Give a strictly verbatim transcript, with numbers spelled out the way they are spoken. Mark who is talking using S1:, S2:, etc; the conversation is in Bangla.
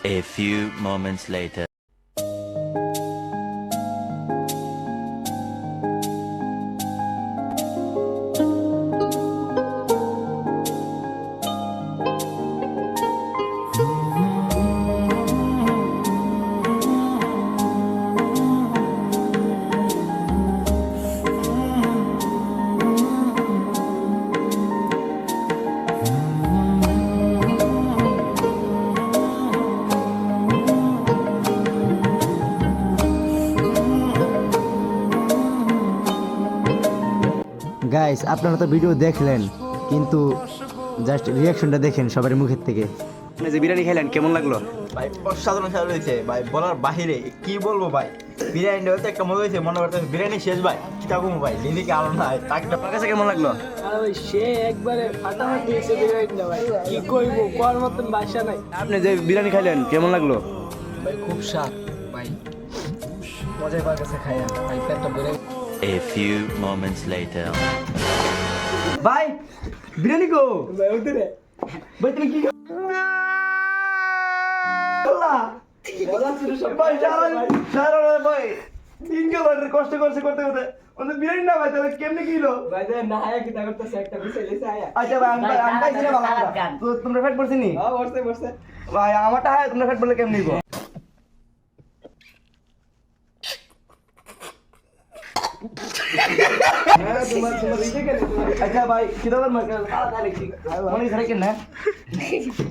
S1: A few moments later.
S2: Guys আপনারা তো ভিডিও দেখলেন কিন্তু জাস্ট রিয়াকশনটা দেখেন সবার মুখের থেকে। আপনি যে বিরিয়ানি খাইলেন কেমন লাগলো?
S3: ভাই অসাধারণ স্বাদ হয়েছে ভাই, বলার বাহিরে কি বলবো ভাই। বিরিয়ানিটা হয়তো একটা মজা হয়েছে, মনে করতে বিরিয়ানি শেষ ভাই কি থাকুম ভাই, লিলিকে আলো নাই তাকটা।
S2: আপনার কাছে কেমন লাগলো?
S4: আরে ভাই সে একবারে ফাটাফাটি এসে বিরিয়ানিটা ভাই, কি কইবো কোয়ার মতন বাসা নাই।
S2: আপনি যে বিরিয়ানি খাইলেন কেমন লাগলো?
S4: ভাই খুব স্বাদ ভাই, মজাই পাওয়ার কাছে খাইয়া ভাই পেটটা ভরে।
S1: A few moments later.
S2: ভাই বিরিয়ানি গো
S4: ভাই ওদের
S2: ভাই তুমি কি করলা?
S4: মজা ছিল সব
S2: ভাই সারা সারা ভাই তিন কিলোমিটার কষ্ট করছে করতে করতে ওদের বিরিয়ানি না ভাই তাহলে কেমনে কিলো?
S4: ভাই যে না আয়া কি তা করতেছে একটা বিষয় লেছে আয়া।
S2: আচ্ছা ভাই আমি আমি পাইছি না ভালো কথা। তো তোমরা ফেট পড়ছি নি
S4: হ্যাঁ বসে বসে
S2: ভাই আমারটা হয় তোমরা ফেট পড়লে কেমনে নিব?
S4: হ্যাঁ তোমার তোমার ইয়ে কেন তোমার
S2: আচ্ছা ভাই কিদাবার মার্কা
S4: তাহলে ঠিক
S2: মনে করে কেন না